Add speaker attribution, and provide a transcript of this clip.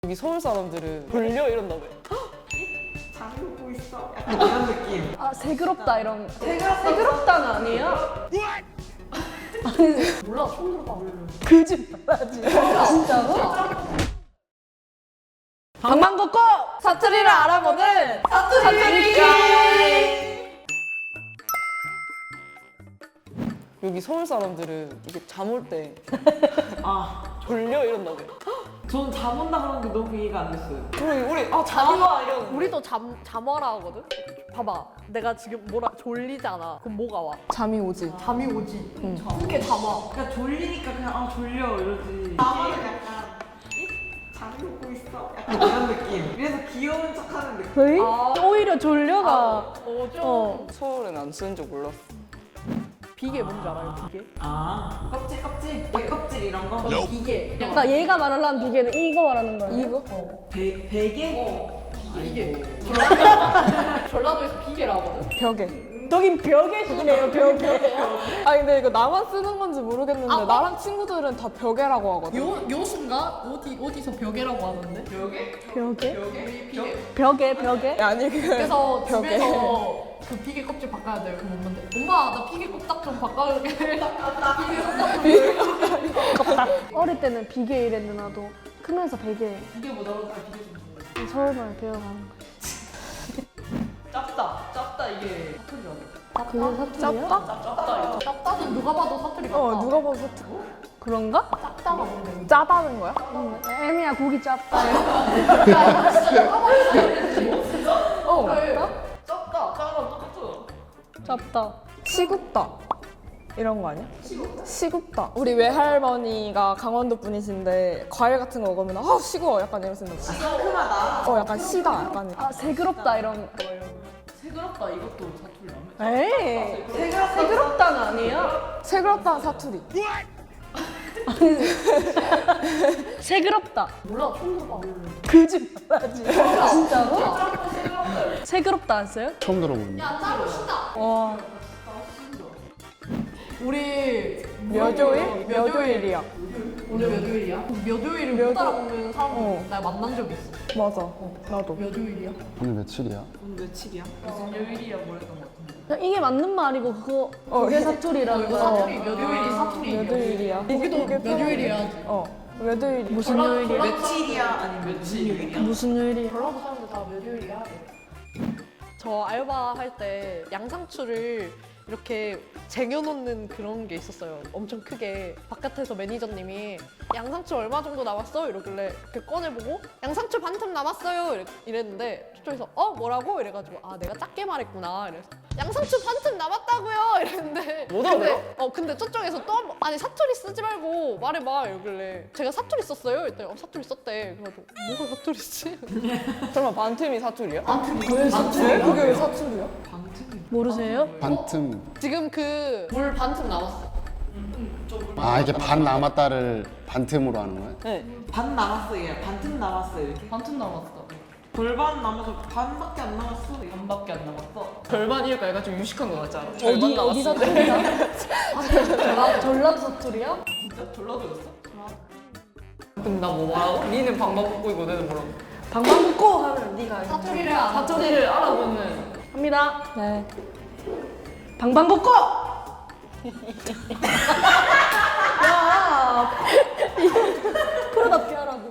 Speaker 1: 여기 서울 사람들은 돌려 이런다고요.
Speaker 2: 잠이 오고 있어. 약간 이런 느낌.
Speaker 3: 아 새그럽다 이런. 새그럽다는 아니야?
Speaker 4: 몰라, 처음 들어봐.
Speaker 3: 거짓말하지. 진짜로? 방방 걷고 사투리를 알아보는 사투리.
Speaker 1: 여기 서울 사람들은 이게 잠 올 때
Speaker 2: 아,
Speaker 1: 돌려 이런다고요.
Speaker 2: 전 잠 온다 그러는 게 너무 이해가 안 됐어요.
Speaker 1: 우리 잠이 와 이런.
Speaker 4: 우리도 잠와라 하거든? 봐봐. 내가 지금 졸리잖아. 그럼 뭐가 와?
Speaker 1: 잠이 오지.
Speaker 4: 잠이 오지. 그게 잠와.
Speaker 2: 그냥 졸리니까 그냥 아 졸려 이러지. 잠은 약간 잠이 오고 있어. 약간 이런 느낌. 그래서 귀여운 척하는 느낌.
Speaker 3: 거의? 오히려 졸려가.
Speaker 4: 좀
Speaker 1: 서울엔 안 쓰는 줄 몰랐어.
Speaker 4: 비계 뭔지 알아요? 비계?
Speaker 2: 아, 껍질, 껍질 이런 거.
Speaker 4: 비계.
Speaker 3: 그러니까 얘가 말하는 비계는 이거 말하는 거야. 이거?
Speaker 2: 베개?
Speaker 4: 비계. 전라도에서 비계라고 하거든?
Speaker 1: 벽에.
Speaker 3: 저긴 벽에 시네요, 벽에.
Speaker 1: 아 근데 이거 나만 쓰는 건지 모르겠는데 나랑 친구들은 다 벽에라고 하거든.
Speaker 4: 요순가? 어디서 벽에라고 하는데? 벽에?
Speaker 3: 벽에?
Speaker 4: 비계.
Speaker 3: 벽에?
Speaker 1: 아니
Speaker 4: 그래서
Speaker 1: 벽에.
Speaker 4: 집에서 그 비계 껍질 바꿔야 돼요. 그럼 엄마한테 엄마 나 비계 껍딱 좀 바꿔줄게. 비계 껍딱.
Speaker 3: 어릴 때는 비계 이랬는데 나도 크면서 베개.
Speaker 4: 비계 못 알아서 비계 좀 줘.
Speaker 3: 서울말 배워가는 거야.
Speaker 4: 짭다 이게 사투리 아니야?
Speaker 3: 그게 사투리야?
Speaker 4: 짭다 이거. 짭다는 누가 봐도 사투리 같다.
Speaker 1: 누가 봐도 사투리.
Speaker 3: 그런가?
Speaker 4: 짭다가 뭔데?
Speaker 1: 짜다는 거야?
Speaker 3: 애미야 고기 짭다.
Speaker 4: 그래. 짭다. 짜랑 똑같아.
Speaker 3: 짭다.
Speaker 1: 시굽다 이런 거 아니야? 시굽다. 우리 외할머니가 강원도 분이신데 과일 같은 거 먹으면 아 시구워 약간 이런 생각.
Speaker 2: 상큼하다.
Speaker 1: 약간 시다 약간.
Speaker 3: 아 새그럽다 이런.
Speaker 4: 새그럽다 이것도 사투리라며?
Speaker 3: 에이. 새그럽다는 아니야?
Speaker 1: 새그럽다는 사투리.
Speaker 3: 새그럽다.
Speaker 4: 몰라 처음 들어봐.
Speaker 3: 거짓말하지. 진짜로? 새그럽다 안 써요?
Speaker 5: 처음 들어보는데.
Speaker 3: 와.
Speaker 4: 우리
Speaker 1: 몇요일? 몇요일이야.
Speaker 4: 우리 몇요일이야? 몇요일을 못 알아보는 사람 나 만난 적 있어.
Speaker 1: 맞아. 나도.
Speaker 4: 몇요일이야?
Speaker 5: 오늘 며칠이야?
Speaker 2: 오늘 며칠이야?
Speaker 4: 무슨 요일이야 뭐랬던 것 같은데.
Speaker 3: 이게 맞는 말이고 그게 사투리라는
Speaker 4: 이거
Speaker 3: 거.
Speaker 4: 사투리 몇요일이 사투리.
Speaker 1: 몇요일이야.
Speaker 4: 거기도 몇요일이야 하지.
Speaker 1: 몇요일.
Speaker 3: 무슨 요일이야?
Speaker 2: 며칠이야? 아니면 며칠 요일이야?
Speaker 3: 무슨 요일이야?
Speaker 4: 전라도 사람들 다 몇요일이야 하대. 저 알바 할 때 양상추를 이렇게 쟁여놓는 그런 게 있었어요. 엄청 크게. 바깥에서 매니저님이 양상추 얼마 정도 남았어? 이러길래 이렇게 꺼내보고 양상추 반틈 남았어요. 이랬는데 저쪽에서 뭐라고? 이래가지고 아 내가 작게 말했구나. 이래서 양상추 반틈 남았다고요. 이랬는데
Speaker 1: 못 알아들어?
Speaker 4: 근데 저쪽에서 또 한 번 아니 사투리 쓰지 말고 말해봐. 이러길래 제가 사투리 썼어요. 이랬더니 사투리 썼대. 그래가지고 뭐가 사투리 쓰지?
Speaker 1: 설마 반틈이 사투리야?
Speaker 4: 왜 사투리야?
Speaker 1: 그게 왜 사투리야?
Speaker 3: 모르세요?
Speaker 5: 반틈.
Speaker 4: 지금 그 물 반틈 남았어.
Speaker 5: 아, 이게 반 남았다를 반틈으로 하는 거야?
Speaker 1: 네.
Speaker 2: 반 남았어 얘. 반틈 남았어 이렇게.
Speaker 4: 반틈 남았어.
Speaker 2: 골반 남아서 반밖에 안 남았어.
Speaker 4: 반밖에 안 남았어.
Speaker 1: 절반이니까 얘가 좀 유식한 거 같지 않아?
Speaker 3: 어디 사투리야? 전라도 사투리야?
Speaker 4: 진짜 졸라들었어?
Speaker 1: 근데 나 뭐 말하고? 니는 방방 걷고 이거 너는 뭐라고?
Speaker 3: 방방 걷고 하면 네가
Speaker 4: 사투리를 알아보는.
Speaker 3: 합니다. 네. 방방 걷고. 야. 프로답게 하라고.